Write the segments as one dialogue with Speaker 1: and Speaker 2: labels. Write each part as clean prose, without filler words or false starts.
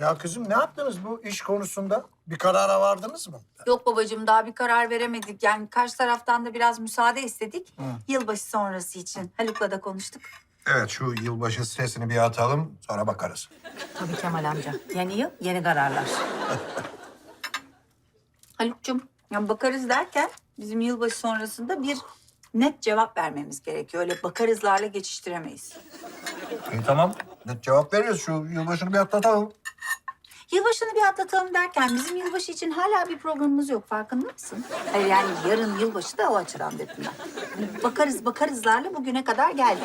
Speaker 1: Ya kızım ne yaptınız bu iş konusunda? Bir karara vardınız mı?
Speaker 2: Yok babacığım daha bir karar veremedik. Yani karşı taraftan da biraz müsaade istedik. Yılbaşı sonrası için. Haluk'la da konuştuk.
Speaker 1: Evet şu yılbaşı stresini bir atalım sonra bakarız.
Speaker 3: Tabii Kemal amca. Yeni yıl, yeni kararlar.
Speaker 2: Haluk'cum yani bakarız derken bizim yılbaşı sonrasında bir net cevap vermemiz gerekiyor. Öyle bakarızlarla geçiştiremeyiz.
Speaker 1: İyi tamam. Net cevap veriyoruz. Şu yılbaşını bir atlatalım.
Speaker 2: Yılbaşını bir atlatalım derken bizim yılbaşı için hala bir programımız yok. Farkında mısın? Hayır yani yarın yılbaşı da o açıdan dedim ben. Hani bakarızlarla bugüne kadar geldik.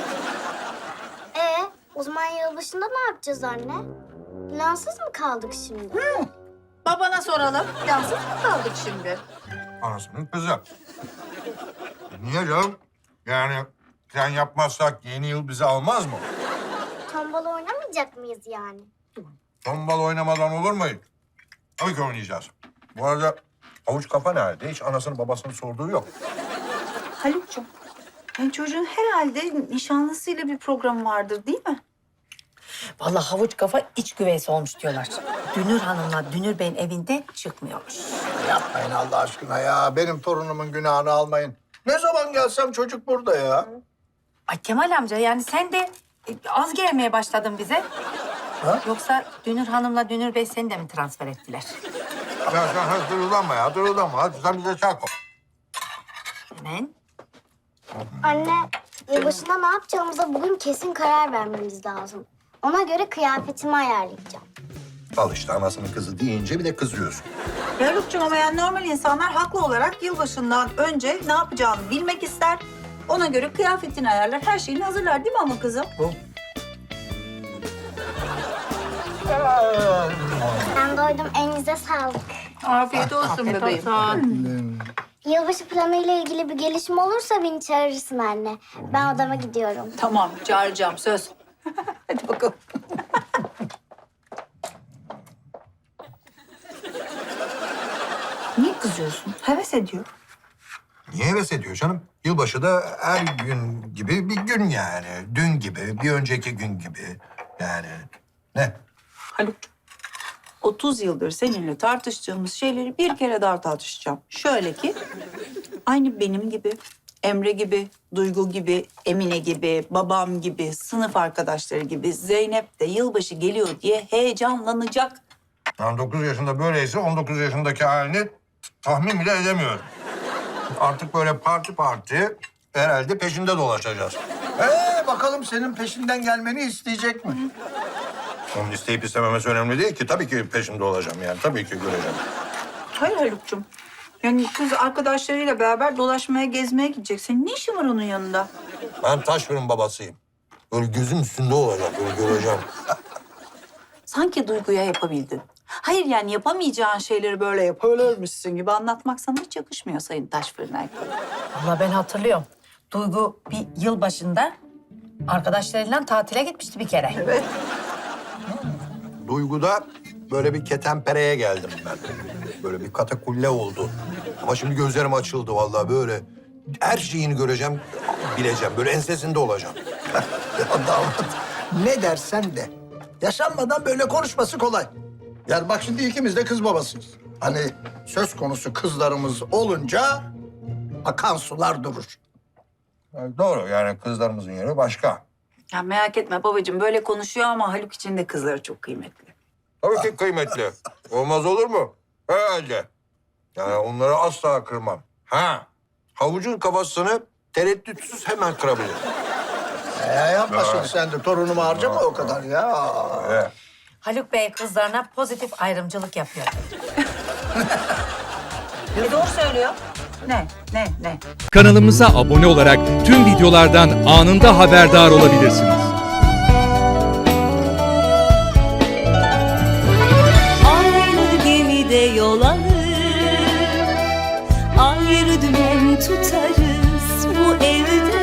Speaker 4: O zaman yılbaşında ne yapacağız anne? Plansız mı kaldık şimdi?
Speaker 2: Babana soralım. Yansız mı kaldık şimdi?
Speaker 1: Anasının kızı. Niye canım? Yani sen yapmazsak yeni yıl bizi almaz mı?
Speaker 4: Tombala oynamayacak mıyız yani?
Speaker 1: Tombal oynamadan olur mu? Tabii ki oynayacağız. Bu arada havuç kafa nerede? Hiç anasını babasını sorduğu yok.
Speaker 2: Haluk'cum, yani çocuğun herhalde nişanlısıyla bir programı vardır değil mi?
Speaker 3: Vallahi havuç kafa iç güveysi olmuş diyorlar. Dünür Hanım'la Dünür Bey'in evinde çıkmıyormuş.
Speaker 1: Yapmayın Allah aşkına ya. Benim torunumun günahını almayın. Ne zaman gelsem çocuk burada ya.
Speaker 3: Ay Kemal amca yani sen de az gelmeye başladın bize.
Speaker 1: Ha?
Speaker 3: Yoksa Dünür Hanım'la Dünür Bey seni de mi transfer ettiler?
Speaker 1: Ya sen hadi durulanma ya, durulanma. Hadi sen bize çak ol.
Speaker 3: Hemen.
Speaker 4: Anne, yılbaşında ne yapacağımıza bugün kesin karar vermemiz lazım. Ona göre kıyafetimi ayarlayacağım.
Speaker 1: Al işte anasının kızı deyince bir de kızıyorsun.
Speaker 2: Ya Haluk'cum ama yani normal insanlar haklı olarak yılbaşından önce ne yapacağını bilmek ister. Ona göre kıyafetini ayarlar, her şeyini hazırlar değil mi ama kızım?
Speaker 4: Ben doydum, elinize sağlık.
Speaker 2: Afiyet olsun bebeğim.
Speaker 4: Yılbaşı planı ile ilgili bir gelişme olursa beni çağırırsın anne. Ben odama gidiyorum.
Speaker 2: Tamam, çağıracağım söz. Hadi bakalım. Niye kızıyorsun? Heves ediyor.
Speaker 1: Niye heves ediyor canım? Yılbaşı da her gün gibi bir gün yani. Dün gibi, bir önceki gün gibi. Yani ne?
Speaker 2: Haluk'cum, 30 yıldır seninle tartıştığımız şeyleri bir kere daha tartışacağım. Şöyle ki, aynı benim gibi, Emre gibi, Duygu gibi, Emine gibi, babam gibi, sınıf arkadaşları gibi Zeynep de yılbaşı geliyor diye heyecanlanacak.
Speaker 1: Yani 9 yaşında böyleyse 19 yaşındaki halini tahmin bile edemiyorum. Artık böyle parti herhalde peşinde dolaşacağız. Bakalım senin peşinden gelmeni isteyecek mi? Onun isteyip istememesi önemli değil ki. Tabii ki peşinde olacağım yani. Tabii ki göreceğim.
Speaker 2: Hayır Haluk'cum. Yani kız arkadaşlarıyla beraber dolaşmaya, gezmeye gidecek. Senin ne işin var onun yanında?
Speaker 1: Ben Taşfer'in babasıyım. Böyle gözüm üstünde olacak, böyle göreceğim.
Speaker 2: Sanki Duygu'ya yapabildin. Hayır yani yapamayacağın şeyleri böyle yapabilirmişsin gibi anlatmak sana hiç yakışmıyor Sayın Taşfırın Erkek.
Speaker 3: Vallahi ben hatırlıyorum. Duygu bir yıl başında arkadaşlarıyla tatile gitmişti bir kere.
Speaker 2: Evet.
Speaker 1: Duygu'da böyle bir ketenpereye geldim ben. Böyle bir katakulle oldu. Ama şimdi gözlerim açıldı vallahi böyle. Her şeyini göreceğim, bileceğim. Böyle ensesinde olacağım.
Speaker 5: Ya damat, ne dersen de. Yaşanmadan böyle konuşması kolay. Yani bak şimdi ikimiz de kız babasıyız. Hani söz konusu kızlarımız olunca akan sular durur.
Speaker 1: Yani doğru yani kızlarımızın yeri başka.
Speaker 2: Ya merak etme babacığım böyle konuşuyor ama Haluk için de kızları çok kıymetli.
Speaker 1: Tabii ki kıymetli. Olmaz olur mu? Herhalde. Yani onları asla kırmam. Ha, havucun kafasını tereddütsüz hemen kırabilir.
Speaker 5: Yapma şimdi sen de torunumu harcama o kadar ya.
Speaker 1: Evet.
Speaker 3: Haluk Bey kızlarına pozitif ayrımcılık yapıyor.
Speaker 2: Doğru söylüyor. Ne?
Speaker 6: Kanalımıza abone olarak tüm videolardan anında haberdar olabilirsiniz.
Speaker 7: Aynı gemide yol alır, ayrı dümen tutarız bu evde.